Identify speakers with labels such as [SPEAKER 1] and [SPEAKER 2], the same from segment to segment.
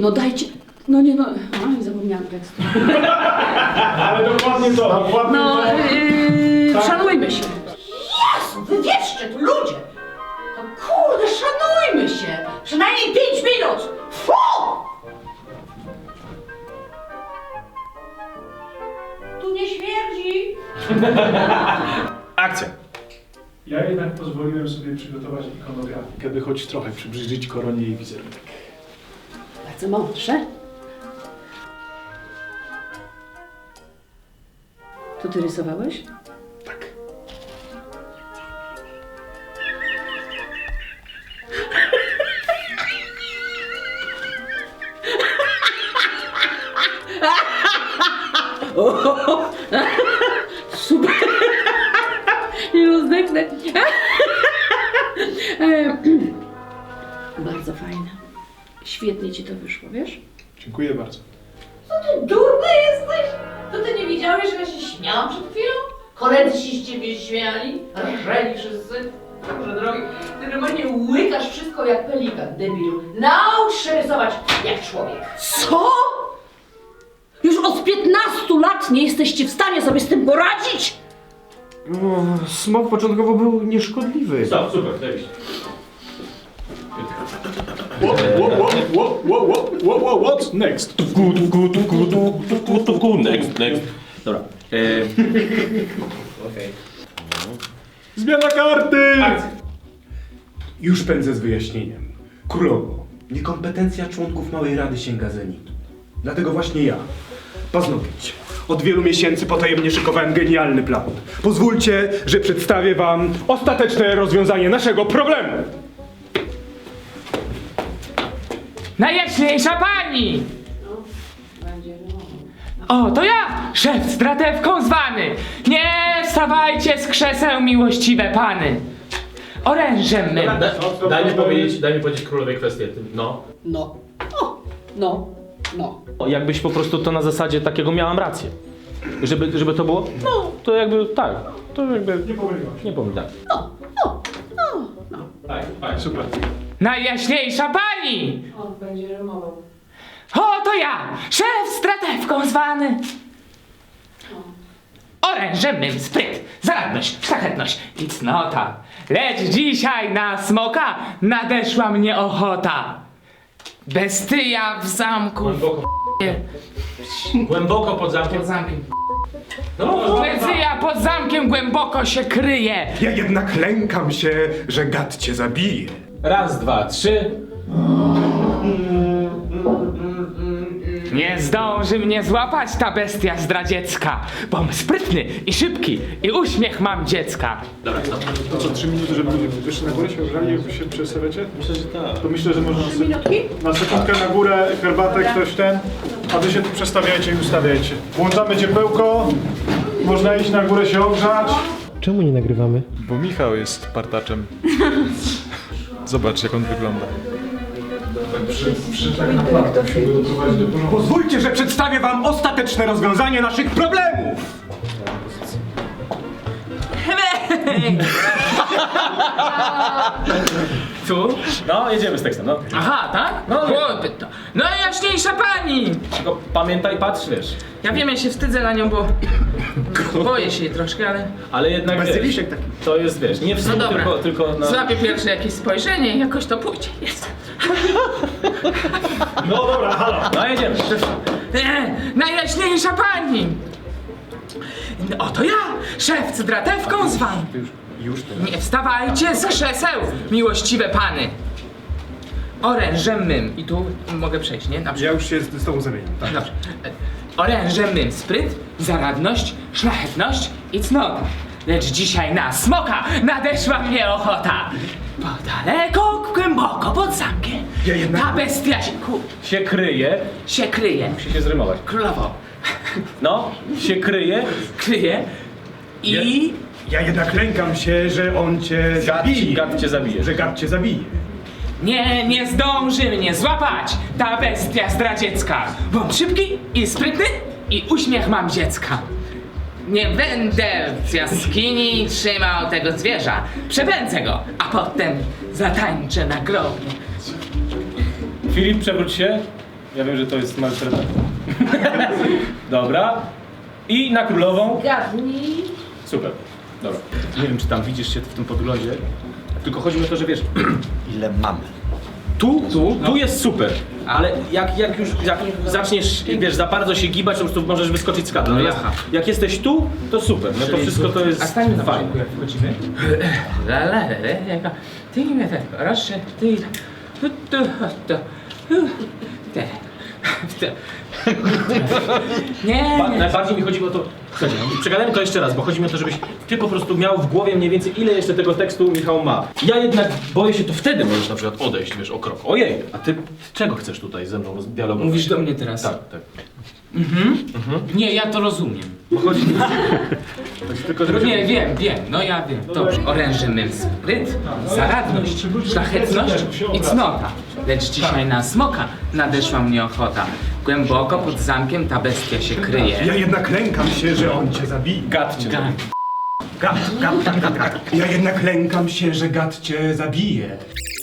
[SPEAKER 1] no dajcie. No nie no, a, zapomniałam tekstu.
[SPEAKER 2] Ale dokładnie to, dokładnie
[SPEAKER 1] No,
[SPEAKER 2] to.
[SPEAKER 1] szanujmy się. Jezu, wy wieszcie tu ludzie. No kurde, szanujmy się. Przynajmniej 5 minut. Fu! Tu nie śmierdzi.
[SPEAKER 2] Akcja. Ja jednak pozwoliłem sobie przygotować ikonografię, żeby choć trochę przybliżyć koronie jej wizerunek.
[SPEAKER 1] Bardzo mądrze. To ty rysowałeś?
[SPEAKER 2] Tak.
[SPEAKER 1] Super. Nie rozdechnę. Bardzo fajne. Świetnie ci to wyszło, wiesz?
[SPEAKER 2] Dziękuję bardzo.
[SPEAKER 1] Co ty durny jesteś? To ty nie widziałeś, że ja się śmiałam przed chwilą? Koledzy się z ciebie śmiali, rżeli wszyscy. Boże drogi, ty normalnie łykasz wszystko jak pelikan, debilu. Naucz się rysować jak człowiek. Co? Już od 15 lat nie jesteście w stanie sobie z tym poradzić?
[SPEAKER 3] No, smok początkowo był nieszkodliwy.
[SPEAKER 4] Stop, super, zajebiście.
[SPEAKER 2] What next?
[SPEAKER 4] Next. Dobra.
[SPEAKER 3] Okej.
[SPEAKER 2] Zmiana karty!
[SPEAKER 3] Już pędzę z wyjaśnieniem. Królowo, niekompetencja członków Małej Rady sięga zenitu. Dlatego właśnie ja, Paznokieć, od wielu miesięcy potajemnie szykowałem genialny plan. Pozwólcie, że przedstawię wam ostateczne rozwiązanie naszego problemu.
[SPEAKER 5] Najjaśniejsza pani! O, to ja, szef z dratewką zwany! Nie wstawajcie z krzeseł, miłościwe pany! Orężem mym!
[SPEAKER 4] Daj mi powiedzieć królowej kwestię. No.
[SPEAKER 1] No. O, no. No.
[SPEAKER 4] O, jakbyś po prostu to na zasadzie takiego miałam rację. Żeby to było? No, to jakby tak. To jakby.
[SPEAKER 2] Nie pomyliłaś.
[SPEAKER 4] Nie powiem tak. Tak,
[SPEAKER 2] Super.
[SPEAKER 5] Najjaśniejsza pani!
[SPEAKER 1] On będzie rymował.
[SPEAKER 5] O, to ja, szef z dratewką zwany! Orężem mym spryt, zaradność, szlachetność i cnota. Lecz dzisiaj na smoka nadeszła mnie ochota. Bestyja w zamku.
[SPEAKER 4] Głęboko pod zamkiem.
[SPEAKER 5] Pod zamkiem. Bestyja pod zamkiem głęboko się kryje.
[SPEAKER 3] Ja jednak lękam się, że gad cię zabije.
[SPEAKER 4] Raz, dwa, trzy.
[SPEAKER 5] Nie zdąży mnie złapać ta bestia zdradziecka, bom sprytny i szybki i uśmiech mam dziecka.
[SPEAKER 4] Dobra, stop.
[SPEAKER 2] To co, 3 minuty, żeby ludzie wyszli na górę, się ogrzali, jak się przestawiacie?
[SPEAKER 4] Myślę, że tak.
[SPEAKER 2] To myślę, że można
[SPEAKER 1] Minutki?
[SPEAKER 2] na sekundkę na górę, herbatę, ktoś ten, a wy się tu przestawiajcie i ustawiajcie. Włączamy ciepełko, można iść na górę się ogrzać.
[SPEAKER 3] Czemu nie nagrywamy?
[SPEAKER 2] Bo Michał jest partaczem. Zobacz, jak on wygląda.
[SPEAKER 3] Pozwólcie, że przedstawię wam ostateczne rozwiązanie naszych problemów!
[SPEAKER 5] Tu?
[SPEAKER 4] No, jedziemy z tekstem, no.
[SPEAKER 5] Aha, tak?
[SPEAKER 4] No,
[SPEAKER 5] Chłopy to. Najjaśniejsza pani!
[SPEAKER 4] Tylko pamiętaj, patrz, wiesz.
[SPEAKER 5] Ja wiem, ja się wstydzę na nią, bo boję się jej troszkę, ale...
[SPEAKER 4] Ale jednak wiesz,
[SPEAKER 3] Bazyliszek taki.
[SPEAKER 4] to jest, wiesz, nie wstyd,
[SPEAKER 5] No dobra.
[SPEAKER 4] tylko na...
[SPEAKER 5] Złapię pierwsze jakieś spojrzenie i jakoś to pójdzie. Jest.
[SPEAKER 4] No dobra, halo. No, jedziemy.
[SPEAKER 5] Najjaśniejsza pani! Oto ja, szef z dratewką zwany.
[SPEAKER 3] Już teraz.
[SPEAKER 5] Nie wstawajcie z krzeseł, miłościwe pany. Orężem mym. I tu mogę przejść, nie? Na
[SPEAKER 3] Ja
[SPEAKER 5] przykład.
[SPEAKER 3] już się z tobą zamieniam. Tak.
[SPEAKER 5] Dobrze. Orężem mym spryt, zaradność, szlachetność i cnota. Lecz dzisiaj na smoka nadeszła mnie ochota. Bo daleko, głęboko pod zamkiem
[SPEAKER 3] Ja jednak-
[SPEAKER 5] ta bestia
[SPEAKER 4] Się kryje.
[SPEAKER 5] się kryje.
[SPEAKER 4] Musi się zrymować.
[SPEAKER 5] Królowo
[SPEAKER 4] No, się kryje.
[SPEAKER 5] kryje i...
[SPEAKER 3] Ja jednak lękam się, że on cię zabije.
[SPEAKER 4] Gad cię zabije.
[SPEAKER 3] Że gad cię zabije.
[SPEAKER 5] Nie zdąży mnie złapać ta bestia zdradziecka. Bom szybki i sprytny i uśmiech mam dziecka. Nie będę w jaskini trzymał tego zwierza. Przepędzę go, a potem zatańczę na grobie.
[SPEAKER 4] Filip, przewróć się. Ja wiem, że to jest maltreta. Dobra. I na królową.
[SPEAKER 1] Gadnij.
[SPEAKER 4] Super. Dobra. Nie wiem, czy tam widzisz się w tym podglądzie. Tylko chodzi mi o to, że wiesz,
[SPEAKER 6] Ile mamy?
[SPEAKER 4] tu jest super. Ale jak już zaczniesz, wiesz, za bardzo się gibać, to po prostu możesz wyskoczyć z kadru.
[SPEAKER 5] No
[SPEAKER 4] Natomiast
[SPEAKER 5] jaha.
[SPEAKER 4] jak jesteś tu, to super. No to
[SPEAKER 5] Czyli
[SPEAKER 4] wszystko to jest
[SPEAKER 5] A stańmy na
[SPEAKER 4] fajne.
[SPEAKER 5] początku, jak wchodzimy. Ty mnie tak, proszę, ty... Nie,
[SPEAKER 4] Najbardziej mi chodzi o to, słuchajcie, przegadajmy to jeszcze raz, bo chodzi mi o to, żebyś ty po prostu miał w głowie mniej więcej ile jeszcze tego tekstu Michał ma. Ja jednak boję się, to wtedy możesz na przykład odejść, wiesz, o krok. Ojej, a ty czego chcesz tutaj ze mną dialogować?
[SPEAKER 5] Mówisz do mnie teraz?
[SPEAKER 4] Tak, tak.
[SPEAKER 5] Nie, ja to rozumiem.
[SPEAKER 4] Bo chodzi tylko, żeby...
[SPEAKER 5] Nie, wiem, no ja wiem. Dobrze, oręże mym spryt, zaradność, szlachetność i cnota. Lecz dzisiaj na smoka nadeszła mnie ochota. Głęboko pod zamkiem ta bestia się kryje.
[SPEAKER 3] Ja jednak lękam się, że on cię zabije.
[SPEAKER 4] Gad cię.
[SPEAKER 5] Gad.
[SPEAKER 3] Gad. Ja jednak lękam się, że gad cię zabije.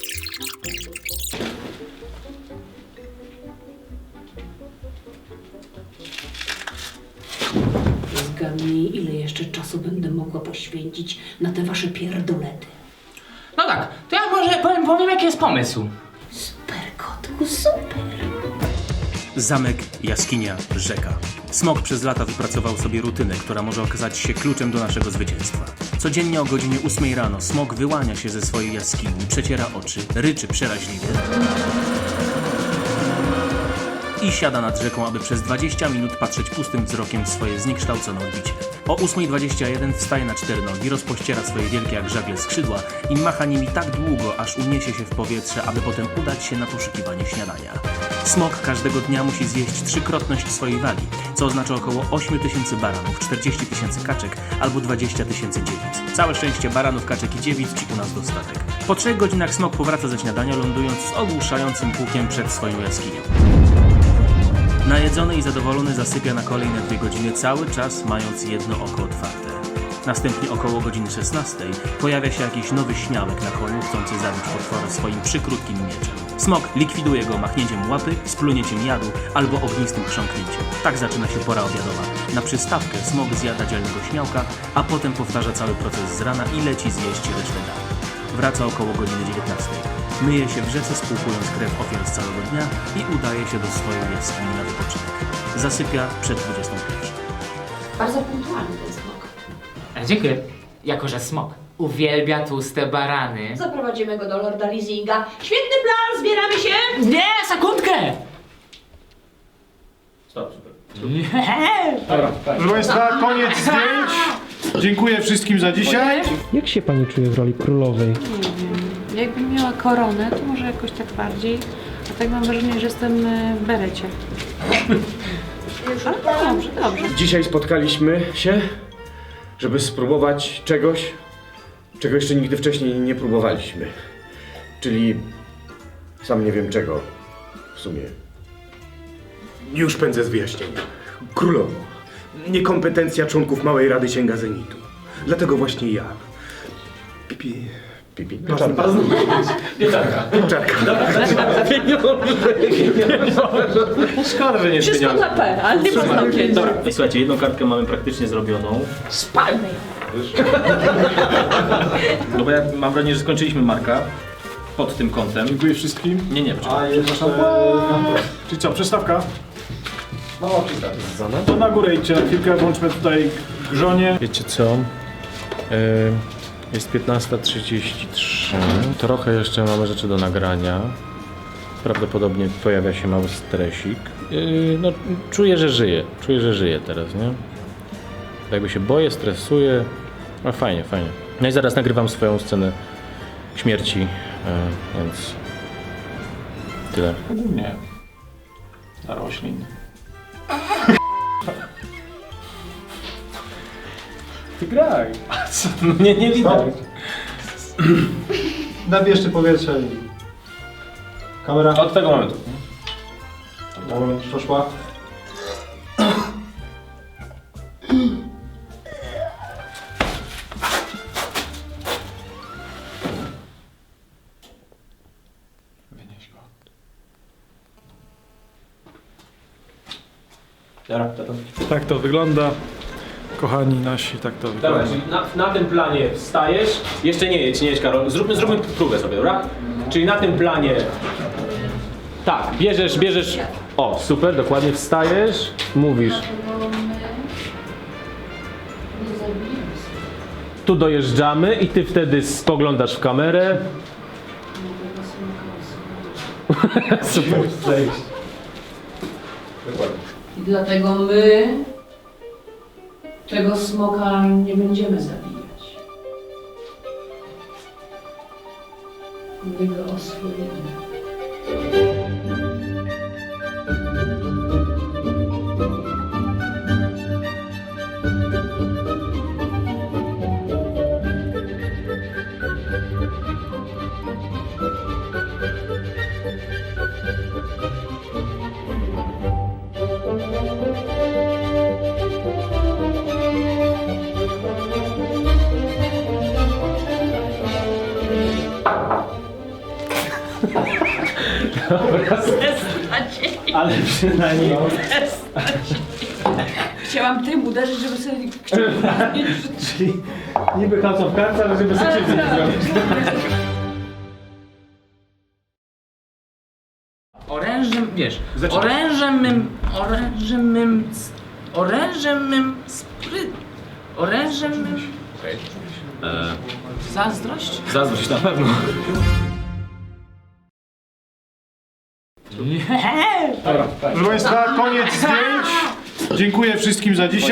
[SPEAKER 7] Zgadnij, ile jeszcze czasu będę mogła poświęcić na te wasze pierdolety.
[SPEAKER 5] No tak, to ja może powiem jaki jest pomysł.
[SPEAKER 7] Super, kotku, super.
[SPEAKER 8] Zamek, jaskinia, rzeka. Smok przez lata wypracował sobie rutynę, która może okazać się kluczem do naszego zwycięstwa. Codziennie o godzinie 8 rano Smok wyłania się ze swojej jaskini, przeciera oczy, ryczy przeraźliwie i siada nad rzeką, aby przez 20 minut patrzeć pustym wzrokiem w swoje zniekształcone odbicie. O 8:21 wstaje na 4 nogi, rozpościera swoje wielkie jak żagle skrzydła i macha nimi tak długo, aż uniesie się w powietrze, aby potem udać się na poszukiwanie śniadania. Smok każdego dnia musi zjeść trzykrotność swojej wagi, co oznacza około 8 000 baranów, 40 000 kaczek albo 20 000 dziewic. Całe szczęście baranów, kaczek i dziewic ci u nas dostatek. Po 3 godzinach Smok powraca ze śniadania, lądując z ogłuszającym pukiem przed swoją jaskinią. Najedzony i zadowolony zasypia na kolejne 2 godziny, cały czas mając jedno oko otwarte. Następnie około godziny 16 pojawia się jakiś nowy śmiałek na koniu, chcący zabić potwora swoim przykrótkim mieczem. Smok likwiduje go machnięciem łapy, splunięciem jadu albo ognistym chrząknięciem. Tak zaczyna się pora obiadowa. Na przystawkę Smok zjada dzielnego śmiałka, a potem powtarza cały proces z rana i leci zjeść resztę dania. Wraca około godziny 19. Myje się w rzece, spłukując krew ofiar z całego dnia i udaje się do swojej jaskini na wypoczynek. Zasypia przed 21.
[SPEAKER 7] Bardzo punktualny ten smok.
[SPEAKER 5] Dziękuję. Jako że smok uwielbia tłuste barany.
[SPEAKER 7] Zaprowadzimy go do Lorda Leasinga. Świetny plan, zbieramy się!
[SPEAKER 5] Nie, sekundkę!
[SPEAKER 4] Stop, super.
[SPEAKER 2] Proszę Państwa, koniec zdjęć. Dziękuję wszystkim za dzisiaj.
[SPEAKER 9] Jak się pani czuje w roli królowej?
[SPEAKER 10] Jakbym miała koronę, to może jakoś tak bardziej. A tak mam wrażenie, że jestem w berecie. Ale dobrze.
[SPEAKER 3] Dzisiaj spotkaliśmy się, żeby spróbować czegoś, czego jeszcze nigdy wcześniej nie próbowaliśmy. Czyli sam nie wiem czego w sumie. Już pędzę z wyjaśnienia. Królowo, niekompetencja członków Małej Rady sięga zenitu. Dlatego właśnie ja. Pipi. Pieczarka.
[SPEAKER 4] Szkoda, że nie
[SPEAKER 7] Wszystko na P, ale nie można pięć.
[SPEAKER 4] Dobra, słuchajcie, jedną kartkę mamy praktycznie zrobioną.
[SPEAKER 7] Spalmy ją.
[SPEAKER 4] No bo ja mam wrażenie, że skończyliśmy Marka pod tym kątem.
[SPEAKER 2] Dziękuję wszystkim.
[SPEAKER 4] Nie, poczekaj.
[SPEAKER 2] Czyli co, przystawka? Mała przystawka. To na górę idźcie na chwilkę, włączmy tutaj grzonie.
[SPEAKER 11] Wiecie co? Jest 15:33. Trochę jeszcze mamy rzeczy do nagrania. Prawdopodobnie pojawia się mały stresik. No, czuję, że żyję teraz, nie? Jakby się boję, stresuję. No fajnie. No i zaraz nagrywam swoją scenę śmierci, więc tyle.
[SPEAKER 2] Nie. Na roślin.
[SPEAKER 4] Ty graj. Nie widać.
[SPEAKER 2] Nabierzcie powietrze i... Kamera.
[SPEAKER 4] Od tego momentu.
[SPEAKER 2] Moment, poszła. Wynieś go.
[SPEAKER 4] Dobra, to.
[SPEAKER 2] Tak to wygląda. Kochani nasi, tak to wygląda.
[SPEAKER 4] Dobra, czyli na tym planie wstajesz. Jeszcze nie jedź Karol. Zróbmy próbę sobie, dobra? Czyli na tym planie. Tak, bierzesz. O, super, dokładnie wstajesz, mówisz. Tu dojeżdżamy i ty wtedy spoglądasz w kamerę. Super, zejść. Dokładnie.
[SPEAKER 1] I dlatego my tego smoka nie będziemy zabijać. My go oswoimy.
[SPEAKER 4] Ale przynajmniej.
[SPEAKER 7] Chciałam tym uderzyć, żeby sobie
[SPEAKER 4] Czyli niby House of Cards, ale żeby sobie krzywdy nie zrobić.
[SPEAKER 5] Orężem, wiesz,
[SPEAKER 4] Zaczynaj.
[SPEAKER 5] orężem mym... Zazdrość?
[SPEAKER 4] Zazdrość na pewno.
[SPEAKER 2] Proszę Państwa, koniec zdjęć. Dziękuję wszystkim za dzisiaj.